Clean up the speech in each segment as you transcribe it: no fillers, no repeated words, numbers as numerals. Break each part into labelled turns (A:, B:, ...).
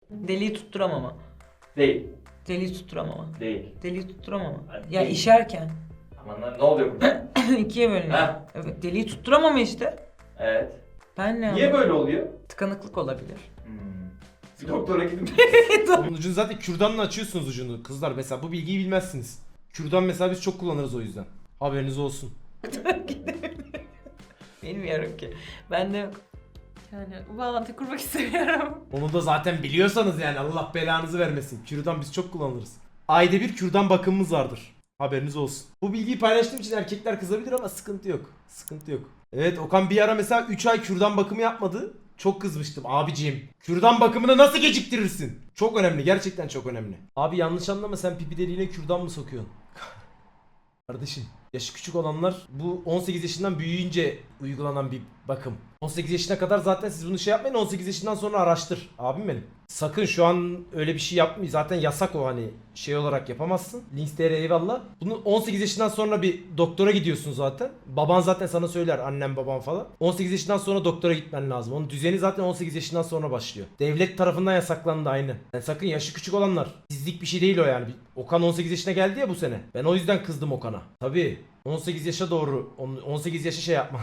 A: Deliği tutturamama.
B: Değil.
A: Deliği tutturamama.
B: Değil.
A: Deliği tutturamama.
B: Hadi
A: Ya
B: değil.
A: işerken.
B: Aman ne oluyor burada?
A: İkiye bölünüyor.
B: Ha.
A: Evet, deliği tutturamama işte.
B: Evet.
A: Ben ne
B: Niye
A: anladım?
B: böyle oluyor?
A: Tıkanıklık olabilir.
B: Bir doktora gidin.
C: Bunun ucunu zaten kürdanla açıyorsunuz ucunu. Kızlar mesela bu bilgiyi bilmezsiniz. Kürdan mesela biz çok kullanırız o yüzden. Haberiniz olsun.
A: Bilmiyorum ki. Ben de yok. Yani bu bağlantı kurmak istemiyorum.
C: Onu da zaten biliyorsanız yani Allah belanızı vermesin. Kürdan biz çok kullanırız. Ayda bir kürdan bakımımız vardır. Haberiniz olsun. Bu bilgiyi paylaştığım için erkekler kızabilir ama sıkıntı yok. Sıkıntı yok. Evet Okan bir ara mesela 3 ay kürdan bakımı yapmadı. Çok kızmıştım abiciğim. Kürdan bakımını nasıl geciktirirsin? Çok önemli, gerçekten çok önemli. Abi yanlış anlama, sen pipi deliğine kürdan mı sokuyorsun? Kardeşim yaşı küçük olanlar bu 18 yaşından büyüyünce uygulanan bir bakım. 18 yaşına kadar zaten siz bunu şey yapmayın, 18 yaşından sonra araştır abim benim. Sakın şu an öyle bir şey yapmayın, zaten yasak o, hani şey olarak yapamazsın. Links.tr eyvallah. Bunu 18 yaşından sonra bir doktora gidiyorsun zaten. Baban zaten sana söyler, annem baban falan. 18 yaşından sonra doktora gitmen lazım. Onun düzeni zaten 18 yaşından sonra başlıyor. Devlet tarafından yasaklandı aynı. Yani sakın yaşı küçük olanlar. Sizlik bir şey değil o yani. Okan 18 yaşına geldi ya bu sene. Ben o yüzden kızdım Okan'a. Tabii 18 yaşa doğru 18 yaşa şey yapma.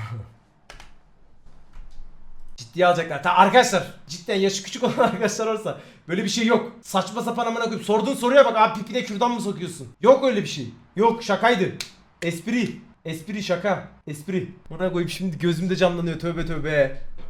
C: Ciddiye alacaklar. Arkadaşlar cidden yaşı küçük olan arkadaşlar varsa böyle bir şey yok. Saçma sapan amına koyayım. Sorduğun soruya bak abi, pipine kürdan mı sokuyorsun? Yok öyle bir şey. Yok, şakaydı. Espri. Espri, şaka. Espri. Buna koyayım şimdi gözümde canlanıyor, tövbe tövbe.